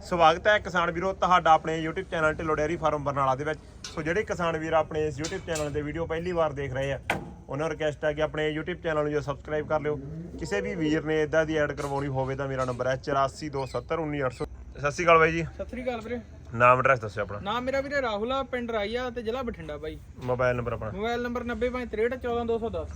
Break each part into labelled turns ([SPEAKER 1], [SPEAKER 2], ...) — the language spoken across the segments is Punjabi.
[SPEAKER 1] ਸਵਾਗਤ ਹੈ ਕਿਸਾਨ ਵੀਰੋ ਤੁਹਾਡਾ ਆਪਣੇ YouTube channel Dhillon dairy farm Barnala ਦੇ ਵਿੱਚ। ਸੋ ਜਿਹੜੇ ਕਿਸਾਨ ਵੀਰ ਆਪਣੇ ਇਸ YouTube ਚੈਨਲ ਤੇ ਵੀਡੀਓ ਪਹਿਲੀ ਵਾਰ ਦੇਖ ਰਹੇ ਆ ਉਹਨਾਂ ਨੂੰ ਰਿਕਵੈਸਟ ਹੈ ਕਿ ਆਪਣੇ YouTube ਚੈਨਲ ਨੂੰ ਜੋ ਸਬਸਕ੍ਰਾਈਬ ਕਰ ਲਿਓ। ਕਿਸੇ ਵੀ ਵੀਰ ਨੇ ਇਦਾਂ ਦੀ ਐਡ ਕਰਵਾਉਣੀ ਹੋਵੇ ਤਾਂ ਮੇਰਾ ਨੰਬਰ ਹੈ 8427191800। ਸਤਿ ਸ਼੍ਰੀ ਅਕਾਲ ਬਾਈ ਜੀ।
[SPEAKER 2] ਸਤਿ ਸ੍ਰੀ ਅਕਾਲ ਵੀਰੇ।
[SPEAKER 1] ਨਾਮ ਐਡਰੈਸ ਦੱਸਿਓ ਆਪਣਾ।
[SPEAKER 2] ਨਾਮ ਮੇਰਾ ਵੀਰੇ ਰਾਹੁਲ ਆ, ਪਿੰਡ ਰਾਈਆ ਤੇ ਜ਼ਿਲ੍ਹਾ ਬਠਿੰਡਾ ਬਾਈ।
[SPEAKER 1] ਮੋਬਾਈਲ ਨੰਬਰ ਆਪਣਾ
[SPEAKER 2] ਮੋਬਾਈਲ ਨੰਬਰ 9053614210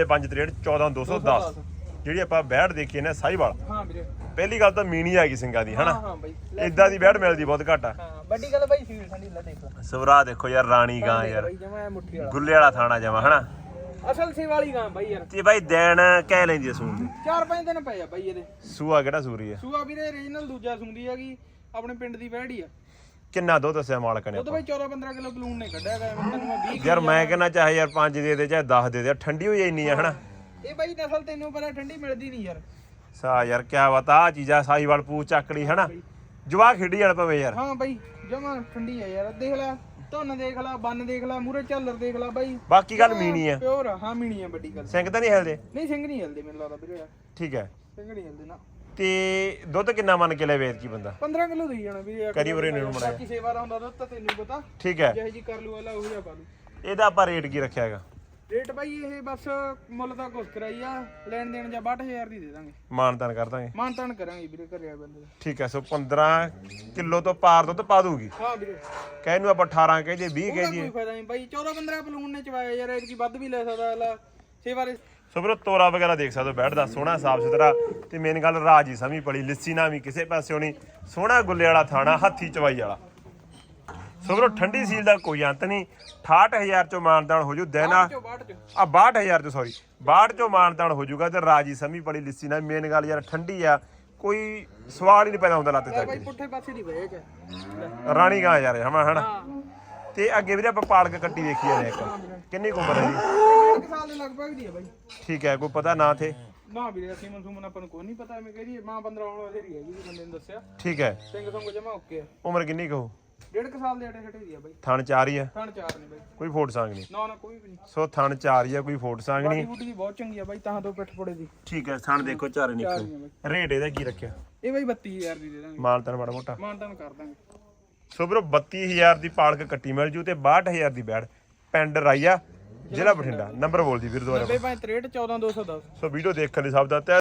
[SPEAKER 1] 9053614210। ਜਿਹੜੀ ਆਪਾਂ ਬੈੜ ਦੇਖੀ ਨੇ ਸਾਈਵਾਲ।
[SPEAKER 2] ਹਾਂ ਵੀਰੇ।
[SPEAKER 1] ਪਹਿਲੀ ਗੱਲ ਤਾਂ ਮੀਣੀ ਆ ਗਈ ਸਿੰਘਾਂ ਦੀ ਹਨਾ।
[SPEAKER 2] ਹਾਂ ਬਾਈ।
[SPEAKER 1] ਇਦਾਂ ਦੀ ਬੈੜ ਮਿਲਦੀ ਬਹੁਤ ਘੱਟ ਆ।
[SPEAKER 2] ਹਾਂ ਵੱਡੀ ਗੱਲ ਬਾਈ ਸੀਲ ਠੰਡੀ ਲੈ ਦੇਖ।
[SPEAKER 1] ਸਵਰਾ ਦੇਖੋ ਯਾਰ, ਰਾਣੀ ਗਾਂ ਯਾਰ,
[SPEAKER 2] ਬਾਈ ਜਮਾ ਮੁੱਠੀ ਵਾਲਾ
[SPEAKER 1] ਗੁੱਲੇ ਵਾਲਾ ਥਾਣਾ ਜਮਾ ਹਨਾ।
[SPEAKER 2] ਅਸਲ ਸੇ ਵਾਲੀ ਗਾਂ ਬਾਈ ਯਾਰ।
[SPEAKER 1] ਤੇ ਬਾਈ ਦੇਣ ਕਹਿ ਲੈਂਦੀ ਸੂਣ ਦੀ
[SPEAKER 2] 4-5 ਦਿਨ ਪਏ ਆ ਬਾਈ ਇਹਦੇ।
[SPEAKER 1] ਸੂਆ ਕਿਹੜਾ ਸੂਰੀ ਆ?
[SPEAKER 2] ਸੂਆ ਵੀਰੇ ਰੀਜਨਲ ਦੂਜਾ ਸੁੰਦੀ ਹੈਗੀ, ਆਪਣੇ ਪਿੰਡ ਦੀ ਵਹਿੜੀ ਆ।
[SPEAKER 1] ਕਿੰਨਾ ਦੁੱਧ ਦੱਸਿਆ ਮਾਲਕ ਨੇ?
[SPEAKER 2] ਉਹ ਤਾਂ ਬਾਈ 14-15 ਕਿਲੋ ਬਲੂਨ ਨੇ ਕੱਢਿਆ ਗਿਆ। ਮੈਂ ਤੈਨੂੰ 20
[SPEAKER 1] ਯਾਰ ਮੈਂ ਕਹਿੰਦਾ ਚਾਹੇ ਯਾਰ 5 ਦੇ ਦੇ ਚਾਹੇ 10 ਦੇ ਦੇ, ਠੰਡੀ ਹੋਈ ਇੰਨੀ ਆ ਹਨਾ।
[SPEAKER 2] ਇਹ ਬਾਈ ਨਸਲ ਤੈਨੂੰ ਪਤਾ ਠੰਡੀ ਮਿਲਦੀ ਨਹੀਂ ਯਾਰ।
[SPEAKER 1] ਸਾ ਯਾਰ ਕਿਆ ਬਤਾ ਆ ਚੀਜ਼ਾਂ ਸਾਈਵਾਲ ਪੂਛ ਚੱਕੜੀ ਹਨਾ, ਜਵਾ ਖੇਡੀ ਜਾਣ ਪਵੇ ਯਾਰ।
[SPEAKER 2] ਹਾਂ ਬਾਈ ਜਮਾ ਠੰਡੀ ਆ ਯਾਰ। ਦੇਖ ਲੈ ਧੁੰਨ ਦੇਖ ਲੈ, ਬੰਨ ਦੇਖ ਲੈ, ਮੂਰੇ ਝੱਲਰ ਦੇਖ ਲੈ ਬਾਈ।
[SPEAKER 1] ਬਾਕੀ ਗੱਲ ਮੀਣੀ ਆ,
[SPEAKER 2] ਪਿਓਰ ਆ। ਹਾਂ ਮੀਣੀ ਆ ਵੱਡੀ ਗੱਲ।
[SPEAKER 1] ਸਿੰਘ ਤਾਂ ਨਹੀਂ ਹਿਲਦੇ?
[SPEAKER 2] ਨਹੀਂ ਸਿੰਘ ਨਹੀਂ ਹਿਲਦੇ ਮੈਨੂੰ ਲੱਗਦਾ ਵੀਰੇ ਯਾਰ।
[SPEAKER 1] ਠੀਕ ਹੈ।
[SPEAKER 2] ਸਿੰਘ ਨਹੀਂ ਹਿਲਦੇ ਨਾ।
[SPEAKER 1] ਤੇ ਦੁੱਧ ਕਿੰਨਾ ਮੰਨ ਕੇ ਲੈ ਵੇਚ ਕੀ ਬੰਦਾ?
[SPEAKER 2] 15 ਕਿਲੋ ਦੇਈ ਜਾਣਾ ਵੀਰੇ।
[SPEAKER 1] ਕਰੀ ਉਰੇ ਨੂੰ ਮੁੜਿਆ।
[SPEAKER 2] ਬਾਕੀ ਸੇਵਾ ਦਾ ਹੁੰਦਾ ਦੁੱਧ ਤਾਂ ਤੈਨੂੰ ਪਤਾ।
[SPEAKER 1] ਠੀਕ ਹੈ।
[SPEAKER 2] ਜਿਹੇ ਜੀ ਕਰ ਲੂ ਵਾਲਾ ਉਹ ਜਿਹਾ ਪਾ ਲੂ।
[SPEAKER 1] ਇਹਦਾ ਆਪਾਂ ਰੇਟ ਕੀ ਰੱਖਿਆ ਹੈਗਾ?
[SPEAKER 2] ਰੇਟ ਬਾਈ ਇਹ ਬਸ ਮੁੱਲ ਤਾਂ ਕੁਛ ਕਰਾਈ ਆ, ਲੈਣ ਦੇਣ ਜਾਂ 62000 ਦੀ ਦੇ ਦਾਂਗੇ।
[SPEAKER 1] ਮਾਨਤਾਨ ਕਰ ਦਾਂਗੇ।
[SPEAKER 2] ਮਾਨਤਾਨ ਕਰਾਂਗੇ ਵੀਰੇ ਘਰੇ ਆ ਬੰਦੇ ਦਾ।
[SPEAKER 1] ਠੀਕ ਹੈ। ਸੋ 15 ਕਿਲੋ ਤੋਂ ਪਾਰ ਦੁੱਧ ਪਾ ਦੂਗੀ।
[SPEAKER 2] ਹਾਂ ਵੀਰੇ।
[SPEAKER 1] ਕਹਿ ਨੂੰ ਆਪਾਂ 18 ਕਹਿ ਜੇ 20 ਕਹਿ
[SPEAKER 2] ਉਹਦਾ
[SPEAKER 1] ਜੀ।
[SPEAKER 2] ਕੋਈ ਫਾਇਦਾ ਨਹੀਂ ਬਾਈ। 14-15 ਬਲੂਨ ਨੇ ਚਵਾਇਆ ਯਾਰ, ਐਤਕੀ ਵੱਧ ਵੀ ਲੈ ਸਕਦਾ ਅਗਲਾ। ਸੇਵਾ ਦੇ
[SPEAKER 1] ਸੋ ਵੀਰੋ ਤੋਰਾ ਵਗੈਰਾ ਦੇਖ ਸਕਦੇ ਹੋ, ਬੈਠਦਾ ਸੋਹਣਾ ਸਾਫ ਸੁਥਰਾ। ਤੇ ਮੇਨ ਗੱਲ ਰਾਜੀ ਸਮੀ ਪੜੀ, ਲਿੱਸੀ ਨਾ ਵੀ ਕਿਸੇ ਪਾਸਿਓਂ ਨਹੀਂ, ਸੋਹਣਾ ਗੁੱਲੇ ਵਾਲਾ ਥਾਣਾ, ਹੱਥੀ ਚਵਾਈ ਵਾਲਾ। ਸੋ ਵੀਰੋ ਠੰਡੀ ਸੀਲ ਦਾ ਕੋਈ ਅੰਤ ਨਹੀਂ। 68000 ਚੋਂ ਮਾਨਦਾਨ ਹੋ ਜੂ ਦਿਨ ਆ 62000 ਚੋਂ, ਸੌਰੀ 62 ਚੋਂ ਮਾਨਦਾਨ ਹੋ ਜੂਗਾ। ਤੇ ਰਾਜੀ ਸਮੀ ਪੜੀ ਲਿੱਸੀ ਨਾ। ਮੇਨ ਗੱਲ ਯਾਰ ਠੰਡੀ ਆ, ਕੋਈ ਸਵਾਲ ਹੀ ਨਹੀਂ ਪੈਦਾ ਹੁੰਦਾ ਲੱਤ ਚੱਕ
[SPEAKER 2] ਬਾਈ ਪੁੱਠੇ ਪਾਸੇ ਦੀ ਵੇਚ
[SPEAKER 1] ਰਾਣੀ ਗਾਂ ਯਾਰ ਹਮਾ ਹਨਾ।
[SPEAKER 2] ਹਾਂ।
[SPEAKER 1] ਤੇ ਅੱਗੇ ਵੀਰੇ ਆਪਾਂ ਪਾਲਕ ਕੱਟੀ ਦੇਖੀ ਜਾਂਦੇ ਇੱਕ, ਕਿੰਨੀ ਕੁ ਉਮਰ ਹੈ ਜੀ?
[SPEAKER 2] 1 ਸਾਲ ਦੇ ਲਗਭਗ ਦੀ ਆ ਬਾਈ।
[SPEAKER 1] ਠੀਕ ਹੈ। ਕੋਈ ਪਤਾ ਨਾ ਥੇ?
[SPEAKER 2] ਨਾ ਵੀਰੇ ਅਸੀਂ ਮਨਸੂਮਨ ਆਪਾਂ ਨੂੰ ਕੋਈ ਨਹੀਂ ਪਤਾ। ਐਵੇਂ ਕਹਦੀ ਮਾਂ 15 ਆਉਣ ਵਾਲੀ ਹੈਗੀ ਜੀ, ਬੰਦੇ ਨੇ ਦੱਸਿਆ।
[SPEAKER 1] ਠੀਕ ਹੈ।
[SPEAKER 2] ਸਿੰਘ ਸੰਗ ਜਮਾ ਓਕੇ ਆ।
[SPEAKER 1] ਉਮਰ ਕਿੰਨੀ ਕਹੋ?
[SPEAKER 2] 1.5 ਸਾਲ ਦੇ ਅਟੇ ਦੀ ਆ ਬਾਈ।
[SPEAKER 1] ਥਣ 4 ਹੀ ਆ?
[SPEAKER 2] ਥਣ 4 ਨੇ ਬਾਈ।
[SPEAKER 1] ਕੋਈ ਫੋਟ ਸੰਗ ਨਹੀਂ?
[SPEAKER 2] ਨਾ ਕੋਈ ਵੀ ਨਹੀਂ।
[SPEAKER 1] ਸੋ ਥਣ 4 ਹੀ ਆ, ਕੋਈ ਫੋਟ ਸੰਗ
[SPEAKER 2] ਬਾਡੀ
[SPEAKER 1] ਨਹੀਂ।
[SPEAKER 2] ਬੂਟੀ ਦੀ ਬਹੁਤ ਚੰਗੀ ਆ ਬਾਈ, ਤਾਂ ਤੋਂ ਪਿੱਠ ਪੜੇ ਦੀ।
[SPEAKER 1] ਠੀਕ ਹੈ। ਥਣ ਦੇਖੋ ਚਾਰੇ ਨਿਕਲ। ਰੇਟ ਇਹਦਾ ਕੀ ਰੱਖਿਆ?
[SPEAKER 2] ਇਹ ਬਾਈ 32000 ਦੀ ਦੇ ਦਾਂਗੇ।
[SPEAKER 1] ਮਾਨਤਨ ਮਾੜਾ ਮੋਟਾ
[SPEAKER 2] ਮਾਨਤਾਨ ਕਰ ਦਾਂਗੇ।
[SPEAKER 1] ਸੋ ਵੀਰੋ 32000 ਦੀ ਪਾਲਕ ਕੱਟੀ ਮਿਲ ਜੂ ਤੇ 62000 ਦੀ ਬੈੜ, ਪਿੰਡ ਰਾਈਆ, ਜ਼ਿਲ੍ਹਾ ਬਠਿੰਡਾ। ਨੰਬਰ ਬੋਲ ਦੀ ਵੀਰ ਦੁਬਾਰਾ।
[SPEAKER 2] 9063614210।
[SPEAKER 1] ਸੋ ਵੀਡੀਓ ਦੇਖਣ ਲਈ ਸਭ ਦਾ